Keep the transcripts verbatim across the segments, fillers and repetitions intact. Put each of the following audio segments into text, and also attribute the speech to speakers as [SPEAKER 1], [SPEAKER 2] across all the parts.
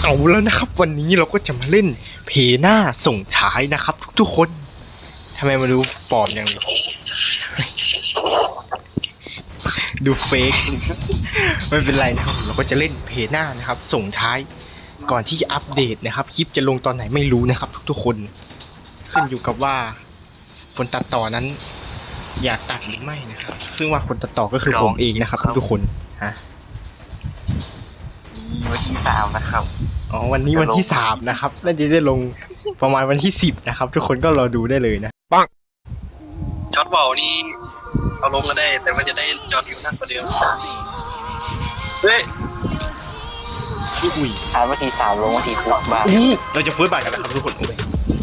[SPEAKER 1] เอาแล้วนะครับวันนี้เราก็จะมาเล่นเพหน้าส่งฉายนะครับทุกๆคนทำไมมาดูปลอมอย่างนี้ดูเฟกไม่เป็นไรนะครับเราก็จะเล่นเพหน้านะครับส่งท้ายก่อนที่จะอัปเดตนะครับคลิปจะลงตอนไหนไม่รู้นะครับทุกๆคนขึ้นอยู่กับว่าคนตัดต่อนั้นอยากตัดหรือไม่นะครับซึ่งว่าคนตัดต่อก็คือผมเองนะครับทุกๆคนฮะ
[SPEAKER 2] วันที่สามนะครับ
[SPEAKER 1] อ๋อวันนี้วันที่สามนะครับน่าจะได้ลงประมาณวันที่สิบนะครับทุกคนก็รอดูได้เลยนะปัง
[SPEAKER 2] ช็อตเบานี่เอาลงก็ได้แต่มันจะได้จอดอยู่นักกว่าเดิมเฮ้ย
[SPEAKER 1] อุ้ย
[SPEAKER 2] ถ่ายวันที่สามลงวันที่สิบบ้าง
[SPEAKER 1] อู้เราจะเฟิร์สบาทกันนะครับทุกคนโอ้ย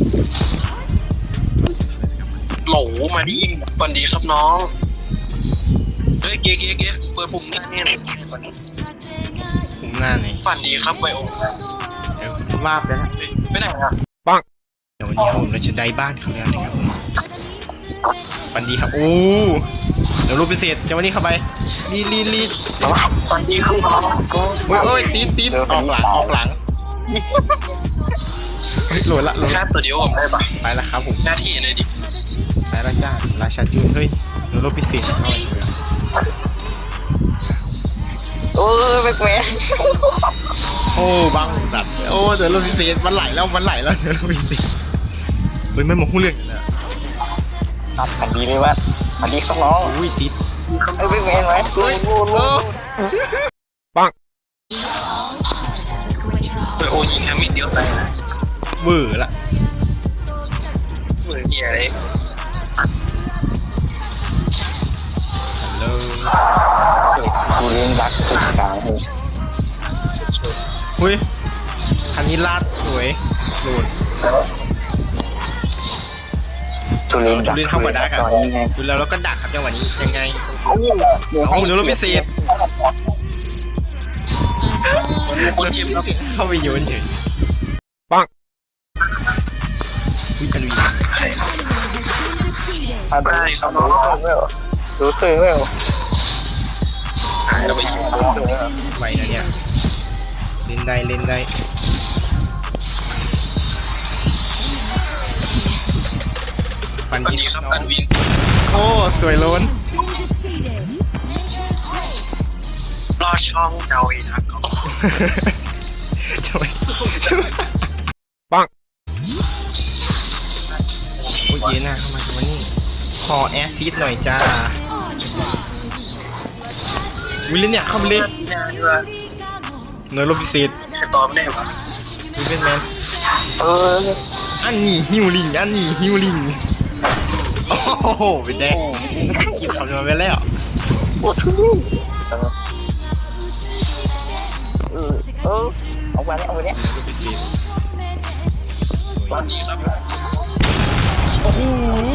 [SPEAKER 2] โหลมาดิวันดีครับน้องเฮ้ยเก๊เก๊เก๊เปิดปุ่มหน้าเนี่ย
[SPEAKER 1] ปุ่มหน้าไหน
[SPEAKER 2] ฝันดีครับไวโอ
[SPEAKER 1] เดี๋ยววาบไปแล้ว
[SPEAKER 2] ไม่ได้อะ
[SPEAKER 1] ปังเดี๋ยววันนี้ผมเราจะได้บ้านเขาแล้วนะครับฝันดีครับโอ้เดี๋ยวรูปพิเศษจะวันนี้เข้าไปลีลีลี
[SPEAKER 2] ฝันดีครับน้อง
[SPEAKER 1] โอ้ยโอ้ยตีตีออกหลังออกหลังโหลดละโหลด
[SPEAKER 2] แค่ตัวเดียวผมได้ปะ
[SPEAKER 1] ไปแล้วครับผม
[SPEAKER 2] หน้าที่เลยดิ
[SPEAKER 1] ไปแล้วจ้าราชาจูนเฮ้ยเดี๋ยวรูปพิเศษเข้าไป
[SPEAKER 2] โอ้ยแม็กแมน
[SPEAKER 1] โอ้บังดัดโอ้เดี๋ยวรูปพิเศษมันไหลแล้วมันไหลแล้วเดี๋ยวรูปพิเศษเฮ้ยไม่มองหุ้นเรื่องเลย
[SPEAKER 2] ตัดกันดีเลยว่าอันนี้เขาน้อง
[SPEAKER 1] อุ้ยติด
[SPEAKER 2] เอ้ยแม็กแมนไหมโอ้โห
[SPEAKER 1] ปัง
[SPEAKER 2] ไปโอ้ยิงแฮมิดเดียวใส่
[SPEAKER 1] เบื่อละ
[SPEAKER 2] เบื่อเหี้ยเลยกูเลี้ยงรักสุดกลางเลย
[SPEAKER 1] อุ้ยคันนี้ลาดสวยโหลด
[SPEAKER 2] จุลิน
[SPEAKER 1] จุลินเข้ามาดักครับจุลินแล้วเราก็ดักครับจังหวะนี้ยังไงเอาเดี๋ยวเราพิเศษเข้าไปโยนเฉยปังวิจารุย
[SPEAKER 2] อะไรครับน้องรู้สึกไหมหายเราไปชิม
[SPEAKER 1] ไวนะเนี่ยเล่นได้เล่นได้ปันดีครับปันวินโอ้สวยล้น
[SPEAKER 2] รอช่องเดาอีกครับ
[SPEAKER 1] ทำไมปังโอ้ยเย็นนะเข้ามาวันนี้ขอแอซิดหน่อยจ้าวิลเลนเนี่ยเข้าไปเลยเนื้อโลพิเศษ
[SPEAKER 2] จะตอบไม่ได้ปะ
[SPEAKER 1] วิลเลนแมน
[SPEAKER 2] เออ
[SPEAKER 1] อันนี้ฮิวลิงอันนี้ฮิวลิงโอ้โหเป็นแดงกินคำนวณไปแล้ว
[SPEAKER 2] ปวดทุกเออเออเอาไปเนี่ยเอาไปเนี่ยวันนี้ครับ
[SPEAKER 1] โอ้โห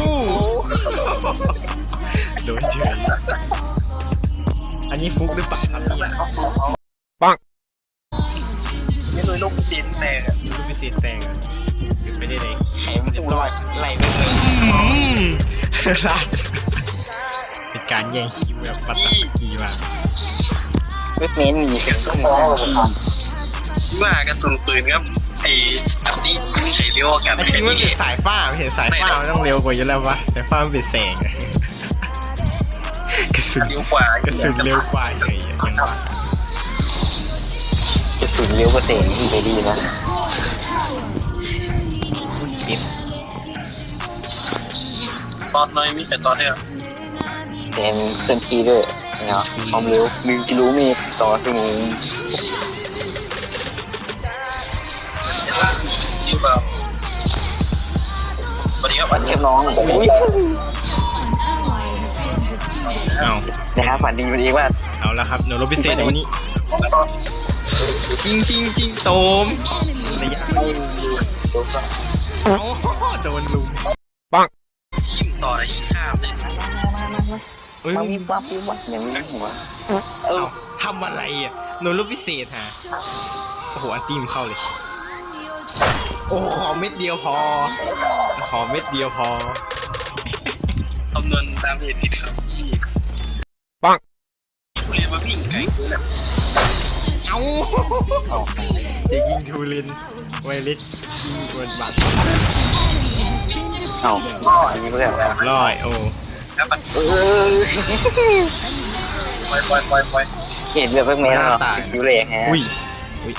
[SPEAKER 1] โดนเฉยอันนี้ฟุกหรือเปล่าครับเนี่ยปัง
[SPEAKER 2] นี่เลยลูกตีนแตก
[SPEAKER 1] ลูกพิเศษแตกอยู่ไม่ได้เลย
[SPEAKER 2] ไหลไม่ไหลไหลไม่ไหล
[SPEAKER 1] เป็นการแย่งคิวแบบปัตตานีมา
[SPEAKER 2] เวทเมนมีเสียงส้มว่ากระสุนปืนครับไอ้อันนี้มีใครเลี้ยวกัน
[SPEAKER 1] ไอ้ที่มันเป็นสายฟ้าเห็นสายฟ้ามันต้องเร็วกว่าอยู่แล้ววะสายฟ้ามันเป็นแสงกระสุน
[SPEAKER 2] เร็วกว่าก
[SPEAKER 1] ระสุนเร็วกว่าเลยยังว่
[SPEAKER 2] ากระสุนเร็วกว่าแสงที่ไปดีนะตอนน้อยมีแต่ตอนเดียวเป็นเคลื่อนที่ด้วยเนาะความเร็วหนึ่งกิโลเมตรต่อชั่วโมงดีกว่าสวัสดีครับวันนี้น้องอุ้ย
[SPEAKER 1] เอา
[SPEAKER 2] นะครับฝันดีวันนี้ว่า
[SPEAKER 1] เอาละครับเดี๋ยวเราพิเศษในวันนี้จริงจริงจริงโตมระยะโดนลุมปัง
[SPEAKER 2] ชิมต่อเลยชิมข้ามเลย
[SPEAKER 1] เอ้ย
[SPEAKER 2] มีปั๊บมีวัดอย่างนี้หัว
[SPEAKER 1] เออทำอะไรอ่ะโดนรูปพิเศษฮะโอ้โหอันตีมเข้าเลยโอ้ขอเม็ดเดียวพอขอเม็ดเดียวพอ
[SPEAKER 2] คำนวณตามเหตุผิดครับ
[SPEAKER 1] ปัง
[SPEAKER 2] เรียนมาวิ่งไกลคือแบบ
[SPEAKER 1] เอา
[SPEAKER 2] เอา
[SPEAKER 1] จะยิงทูลินไวเล็กยิงกวนบัตร
[SPEAKER 2] เอาอันนี้ก็เรียกอะไร
[SPEAKER 1] ร้อยโอ้
[SPEAKER 2] แล้วมันเออปล่อยปล่อยปล่อยปล่อยเห็นแบบแม่เหรอคิวเล็กฮะ
[SPEAKER 1] อุ้ยอุ้ย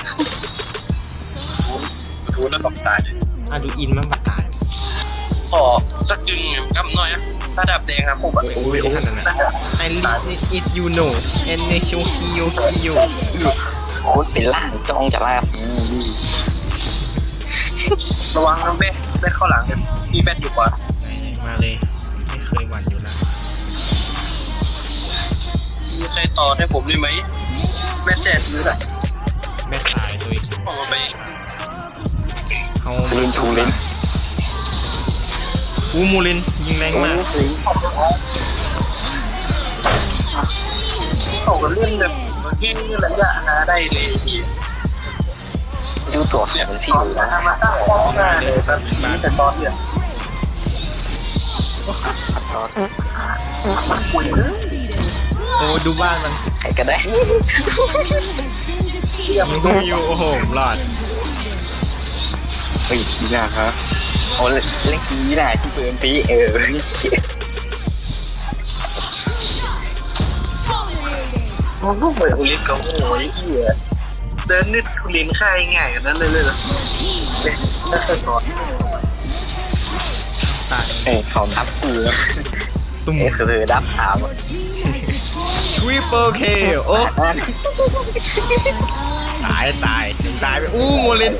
[SPEAKER 2] ทูแล้วตกตายเลย
[SPEAKER 1] อาดูอินมันมาตาย
[SPEAKER 2] ขอสักจึงกับหน่อยนะถ้าดับแดงครับผมแบบ
[SPEAKER 1] โอ้ยขนาดนั้นไอลิสอิทยูโนเอนเนชูคิโยคิโย
[SPEAKER 2] โคตรเป็นล่างจ้องจะลาบระวังนะเบ้เบ้เข้าหลังเลยพี่แบทอยู่กว่า
[SPEAKER 1] มาเลยไม่เคยหวั่นอยู่นะ
[SPEAKER 2] มีใครต่อให้ผมได้ไหมแม่แจ๊ดยืดอ่ะ
[SPEAKER 1] แม่ตายเลย
[SPEAKER 2] เอาไป
[SPEAKER 1] เขา
[SPEAKER 2] ลินทูลิน
[SPEAKER 1] อูมูลินยิงแรงมาก
[SPEAKER 2] เขาก็เล่นแบบยิงระยะหาได้เลยพี่ดูตัวเสียงพี่อยู่นะมาตั้งป้อมหน้าเลยแบบนี้แต่ตอนเนี่ยคุยเลย
[SPEAKER 1] โอ้ดูบ้านมัน
[SPEAKER 2] ใครก็ได้
[SPEAKER 1] มีดูอยู่โอ้โหหลอด
[SPEAKER 2] เฮ้ยดีนะครับโอ้เล่นเล่นดีนะที่เปิดปีเออโอ้โหเหมือนอุลิสก็โอ้ยเหี้ยเดินนิดอุลินค่ายง่ายกันนั้นเลยเลยเหรอเนี่ยน่าจะสอน
[SPEAKER 1] ตาย
[SPEAKER 2] เอ้ยเขาทับกูแล้ว
[SPEAKER 1] ตุ้ม
[SPEAKER 2] เอ้ยคือเธอดับถาม
[SPEAKER 1] ทริปเปิลเคโอ้ตายตายตายไปอู้มูลิน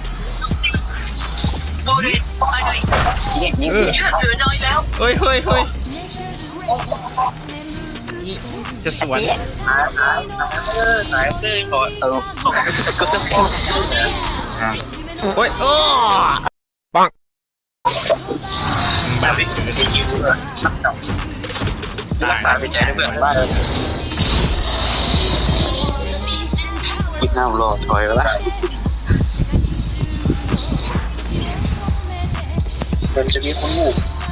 [SPEAKER 3] โบริสไปเลย
[SPEAKER 2] ยิงยิง
[SPEAKER 1] เออ
[SPEAKER 3] เหลือน้อยแล้ว
[SPEAKER 1] เฮ้ยเฮ้ยเฮ้ยนี่จะสวน
[SPEAKER 2] หายหายหายเออหายเต้ก่อนเออก็ต้องพูดนะ
[SPEAKER 1] โอ้ยโอ้ปัง
[SPEAKER 2] แบบ บไม่ได้ยิวเลยตัดต่อ
[SPEAKER 1] ตาย
[SPEAKER 2] ตายไปใจเพื่อนบ้านอีกหน้ารอถอยแล้วมันจะมีคนหู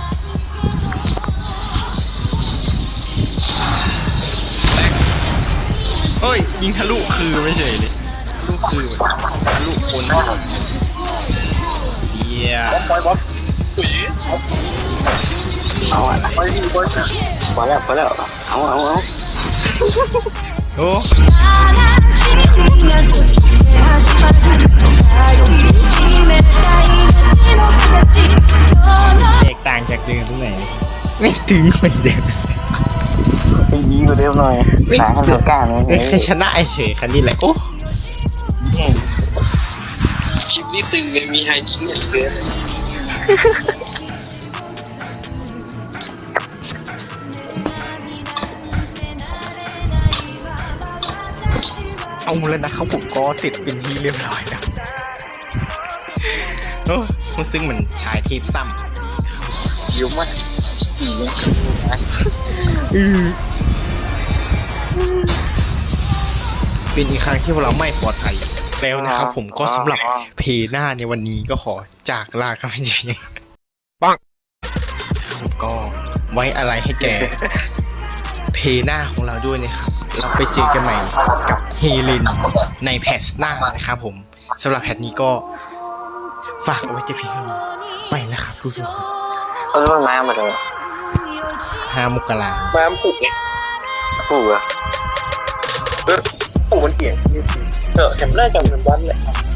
[SPEAKER 1] เฮ้ยยิงทะลุคือไม่เฉยเลยทะลุคือทะลุคนเยี่ย
[SPEAKER 2] บอยบอสอุ้ยเอาอ่ะบอยดีบอยนะพอแล้วพอแล้วเอาเอาเอา
[SPEAKER 1] โอ้แตกต่างจากเดิมตรงไหนไม่ถึงเหมือนเดิม
[SPEAKER 2] ไปยีกว่าเดิมหน่อยสายให้มันกล้าหน่อย
[SPEAKER 1] แค่ชนะเฉยคันนี้แหละโอ้
[SPEAKER 2] คลิปนี้ตึงเลยมีไฮทิ้งอย่างเกิน
[SPEAKER 1] เอาแล้วนะครับผมก็เสร็จเป็นที่เรียบร้อยแล้วโอ้มันซึ่งเหมือนชายเทพซ้ำ
[SPEAKER 2] ยิ้มมากอีกนะ
[SPEAKER 1] อือเป็นอีกครั้งที่พวกเราไม่ปลอดภัยแล้วนะครับผมก็สำหรับเพหน้าในวันนี้ก็ขอจากลากันไปเพียงปังก็ไว้อะไรให้แกเพหน้าของเราด้วยนะครับเราไปเจอกันใหม่กับเฮเลนในแพทหน้านะครับผมสำหรับแพทนี้ก็ฝากเอาไว้จะเพียงเท่านี้ไปแล้วครับทุกคน
[SPEAKER 2] เออมันมามาเลย
[SPEAKER 1] ห้ามกรา
[SPEAKER 2] มาปลุกไงปลุกอะเออปลุกมันเปลี่ยนเออเห็นแรกจำเป็นวันเลย